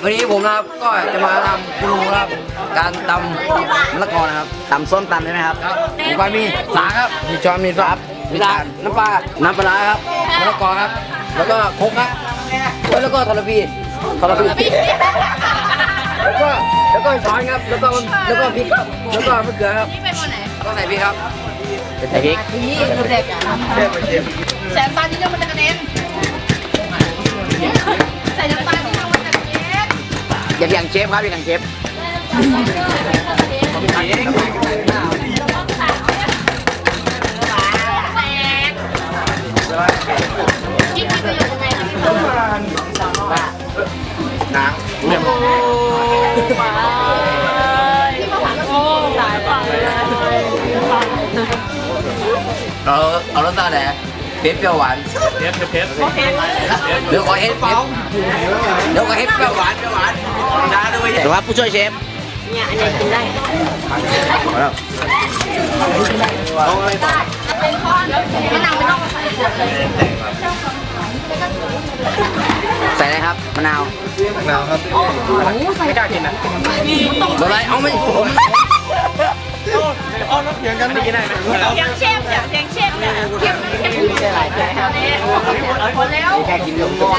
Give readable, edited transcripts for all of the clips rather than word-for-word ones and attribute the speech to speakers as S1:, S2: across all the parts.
S1: วันนี้ผมนะครับก็จะมาทำกูรูครับการตำมะละกอนะครับ
S2: ตำส้มตำใช่ไหมครับ
S1: ครับอุปกรณ์มีสาครับมีช้อนมีซับมีตาลน้ำปลาครับมะละกอครับแล้วก็ครกครับแล้วก็ทรพีแล้วก็ช้อนครับแล้วก็พริกครับแล้วก็มะเขือครับ
S3: นี่เป็นวันไหน
S1: ก็ใส่พริกครับ
S2: ใส่พริก
S3: นี่เด็กแสบตาที่จะมันจะกระเด็นใส่น้ำตาลที่จะมันจะกระเด็น
S2: อย่างเชฟครับอย่างเชฟ
S3: ยิ่งมีประโยชน์ยังไงนะพี่
S1: น้เอารสชาติไหนเปรี้ยวหวานเดี๋ยวขอเห็ดเปรี้ยวหวานจ้าด้วย
S2: หรือว่าผู้ช่วยเชฟ
S3: เนี่ยอันนี้กินได้มะนาวไม่ต้องใส่
S2: ใส่อะไรครับมะนาว
S1: ไม่กล้ากินนะอะไรเอาไม่ผม
S3: ยังเชฟเนี่ยยังเชฟเนี่ยเข้มไม่หลายใจครับพอแล้ว
S2: แค่กินนมก้อน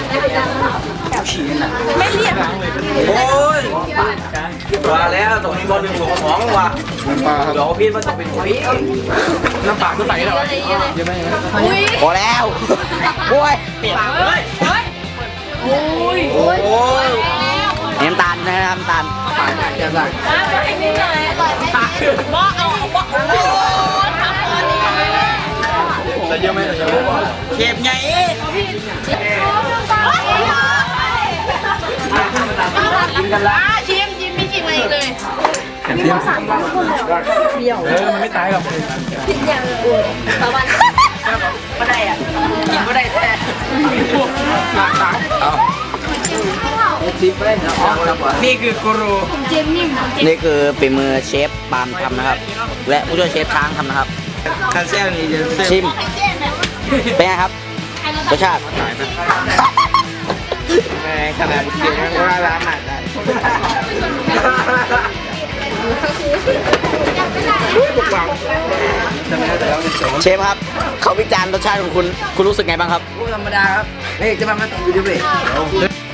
S3: ไม่เรียบ
S1: โอ้ยว่าแล้วตรงนี้บอลหนึ่งหัวสองว่ะเดี๋ยวพี่มันต้องเป็นพี่น้ำปลาก็ใส่แล้วเยอะไหม
S3: อุ้ย
S2: พอแล้วโอ้ย
S3: ปากเลยโอ้ย
S1: โอ้ย
S2: น้ำตาลนะครับน้ำตาล
S1: ปลาเจ็บหลัง
S3: ไอ้นี่หน่อยอร่อยไหมบ่เอาบ่ทำก่อนนี่
S1: ใส่เยอะไหม
S2: เชฟไง
S3: กินกันละชิมไม่ชิมอะไรเลย
S1: มันไม่ตายหรอก
S3: ประมาณก็ได้อ่ะ
S1: กินก็ได้แท้พวกหลักฐานเอาชิมไปแล้วนี่คือกูรู
S3: เจมนิ่ม
S2: นี่คือฝีมือเชฟปาล์มทำนะครับ และผู้ช่วยเชฟช้างทำนะครับ
S1: คาเซ่นี่จะเซ่
S2: ชิมเป็นไงครับรสชาติ
S1: ขนาดเสียงว่าร้านหนักได้
S2: เชฟครับเขาวิจารณ์รสชาติของคุณรู้สึกไงบ้างครับ
S1: ธรรมดาครับเฮ้ยจะมาติดอยู่ดิเว้ย